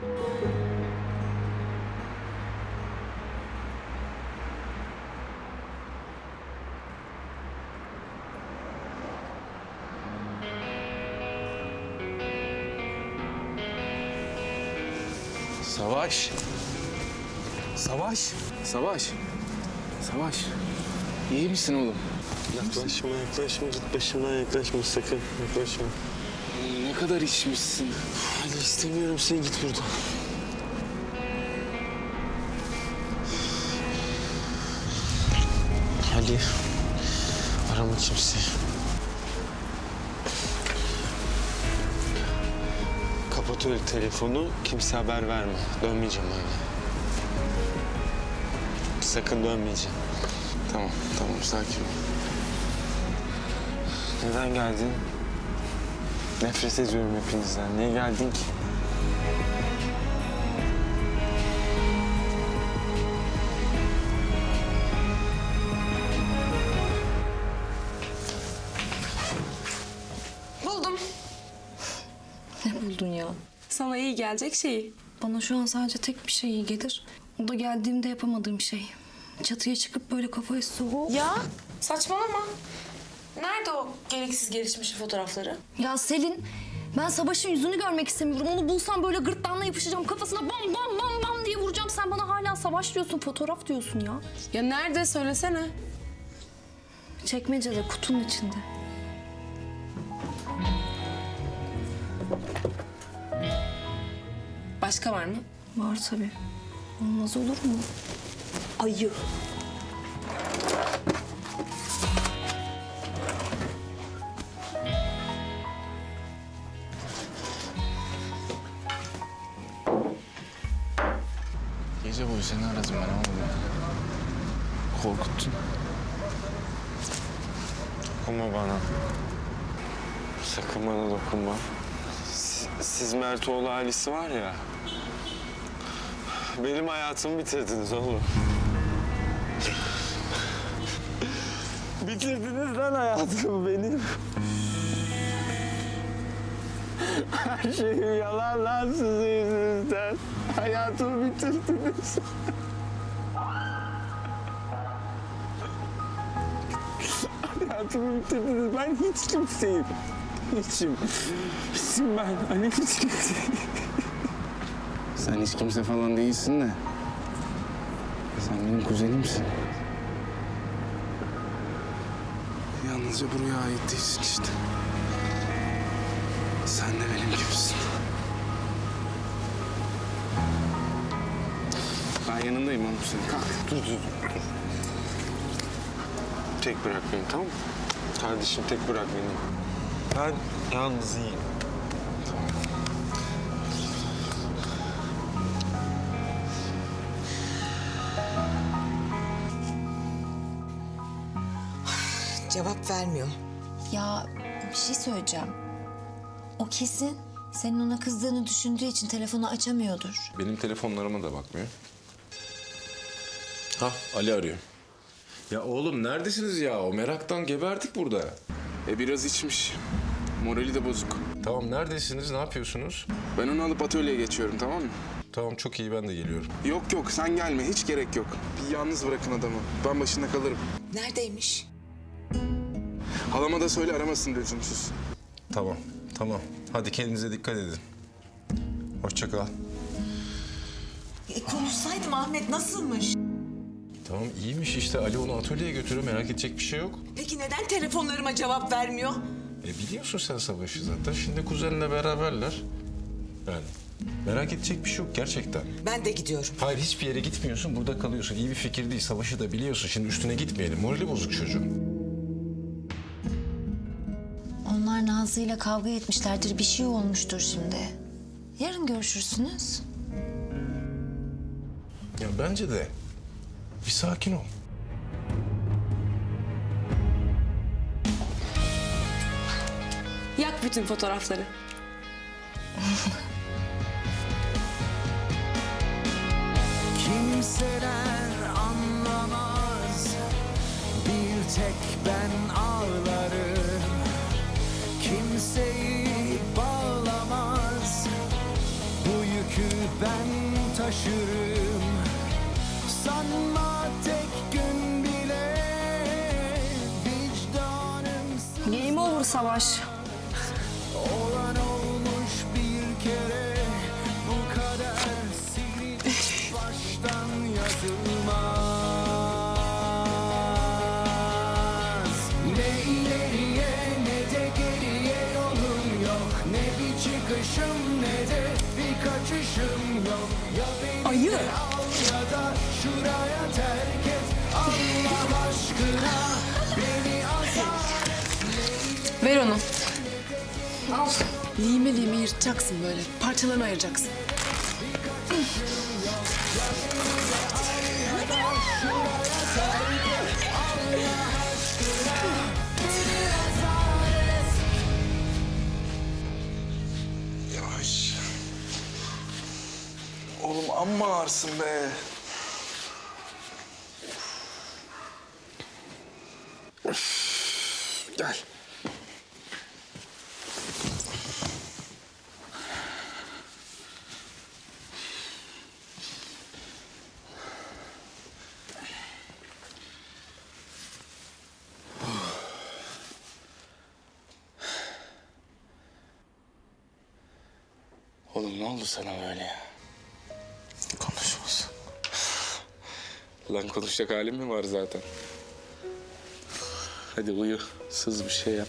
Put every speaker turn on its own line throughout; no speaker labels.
Savaş. Savaş. Savaş. Savaş. İyi misin oğlum?
Yaklaşma, yaklaşma. Git başımdan yaklaşma sakın. Yaklaşma.
Ne kadar içmişsin?
Hadi istemiyorum seni, git buradan. Ali, arama kimseyi. Kapat öyle telefonu, kimse haber verme. Dönmeyeceğim eve. Sakın dönmeyeceğim.
Tamam, tamam. Sakin ol.
Neden geldin? Nefret ediyorum hepinizden. Niye geldin ki?
Buldum.
Ne buldun ya?
Sana iyi gelecek şeyi.
Bana şu an sadece tek bir şey iyi gelir. O da geldiğimde yapamadığım şey. Çatıya çıkıp böyle kafayı soğuk.
Ya saçmalama. Nerede o gereksiz gelişmiş fotoğrafları?
Ya Selin, ben Savaş'ın yüzünü görmek istemiyorum. Onu bulsam böyle gırtlağına yapışacağım. Kafasına bam bam bam bam diye vuracağım. Sen bana hala Savaş diyorsun, fotoğraf diyorsun ya.
Ya nerede söylesene.
Çekmecede, kutunun içinde.
Başka var mı?
Var tabii. Olmaz olur mu?
Ayı.
Gece boyu seni aradım ben ama korkuttun.
Dokunma bana. Sakın bana dokunma. Siz Mertoğlu ailesi var ya. Benim hayatımı bitirdiniz oğlum. Bitirdiniz lan hayatımı benim. Her şeyim yalan lan sizin yüzünüzden. Hayatımı bitirdiniz. Hayatımı bitirdiniz. Ben hiç kimseyim. Hiçim. Hiçim ben. Hani hiç kimseyim.
Sen hiç kimse falan değilsin de. Sen benim kuzenimsin. Yalnızca buraya ait değilsin işte. Sen de benim gibisin. Ben yanındayım oğlum senin. Kalk.
Dur. Tek bırak beni, tamam mı? Kardeşim tek bırak beni. Ben yalnız iyiyim.
Cevap vermiyor.
Ya bir şey söyleyeceğim. O kesin senin ona kızdığını düşündüğü için telefonu açamıyordur.
Benim telefonlarıma da bakmıyor. Ha, Ali arıyor. Ya oğlum neredesiniz ya? O meraktan geberdik burada.
Biraz içmiş. Morali de bozuk.
Tamam neredesiniz? Ne yapıyorsunuz?
Ben onu alıp atölyeye geçiyorum, tamam mı?
Tamam çok iyi ben de geliyorum.
Yok sen gelme, hiç gerek yok. Bir yalnız bırakın adamı. Ben başında kalırım.
Neredeymiş?
Halama da söyle aramasın lüzumsuz.
Tamam. Hadi kendinize dikkat edin. Hoşça kal.
Konuşsaydım Ahmet, nasılmış?
Tamam iyiymiş işte. Ali onu atölyeye götürüyor. Merak edecek bir şey yok.
Peki neden telefonlarıma cevap vermiyor?
Biliyorsun sen Savaş'ı zaten. Şimdi kuzenle beraberler. Yani merak edecek bir şey yok gerçekten.
Ben de gidiyorum.
Hayır hiçbir yere gitmiyorsun. Burada kalıyorsun. İyi bir fikir değil. Savaş'ı da biliyorsun. Şimdi üstüne gitmeyelim. Morali bozuk çocuğun.
Onlar Nazlı'yla kavga etmişlerdir. Bir şey olmuştur şimdi. Yarın görüşürsünüz.
Ya bence de. Bir sakin ol.
Yak bütün fotoğrafları.
Kimseler anlamaz, bir tek ben ağlarım. Kimseyi bağlamaz, bu yük yükü ben taşırım. Sanma tek gün bile vicdanım
Game over Savaş.
olan olmuş bir kere, bu kader silinip baştan yazılmaz. Ne ileriye ne de geriye yolum yok, ne bir çıkışım ne de bir kaçışım yok. Ya beni de al ya da şuraya terk et, Allah aşkına beni azar.
Ver onu. Al. Lime lime yırtacaksın böyle. Parçalarına ayıracaksın.
Yavaş. Oğlum amma ağırsın be. Üf, gel. Oğlum ne oldu sana böyle ya? Konuşmasın. Lan konuşacak halim mi var zaten? Hadi uyu, sız bir şey yap.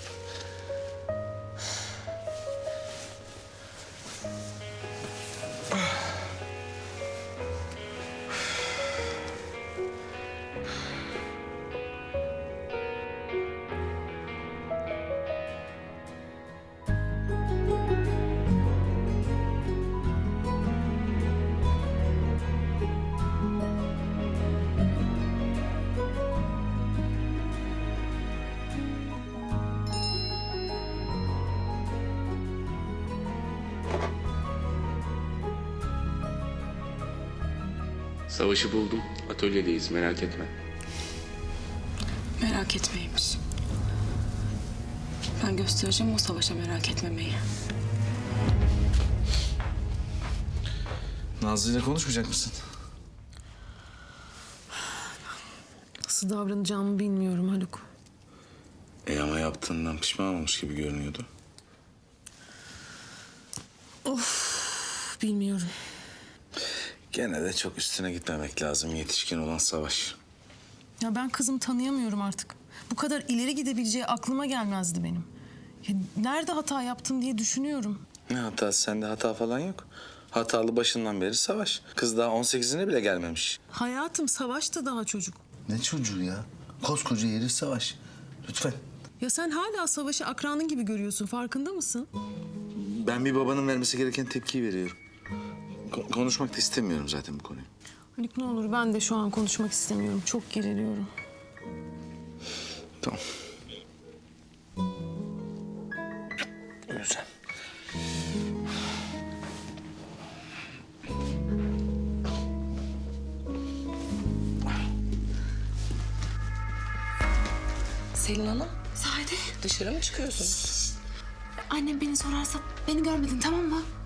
Savaşı buldum. Atölyedeyiz, merak etme.
Merak etmeymiş. Ben göstereceğim o Savaş'a merak etmemeyi.
Nazlı ile konuşmayacak mısın?
Nasıl davranacağımı bilmiyorum Haluk.
Ama yaptığından pişman olmuş gibi görünüyordu.
Bilmiyorum.
Gene de çok üstüne gitmemek lazım, yetişkin olan Savaş.
Ya ben kızımı tanıyamıyorum artık. Bu kadar ileri gidebileceği aklıma gelmezdi benim. Ya nerede hata yaptım diye düşünüyorum.
Ne hatası? Sende hata falan yok. Hatalı başından beri Savaş. Kız daha 18'ine bile gelmemiş.
Hayatım, Savaş da daha çocuk.
Ne çocuğu ya? Koskoca yeri Savaş. Lütfen.
Ya sen hala Savaş'ı akranın gibi görüyorsun, farkında mısın?
Ben bir babanın vermesi gereken tepkiyi veriyorum. Konuşmak da istemiyorum zaten bu konuyu.
Haluk ne olur, ben de şu an konuşmak istemiyorum. Çok geriliyorum.
Tamam. Güzel.
Selin Hanım. Sade. Dışarı mı çıkıyorsunuz?
Annem beni sorarsa beni görmedin, tamam mı?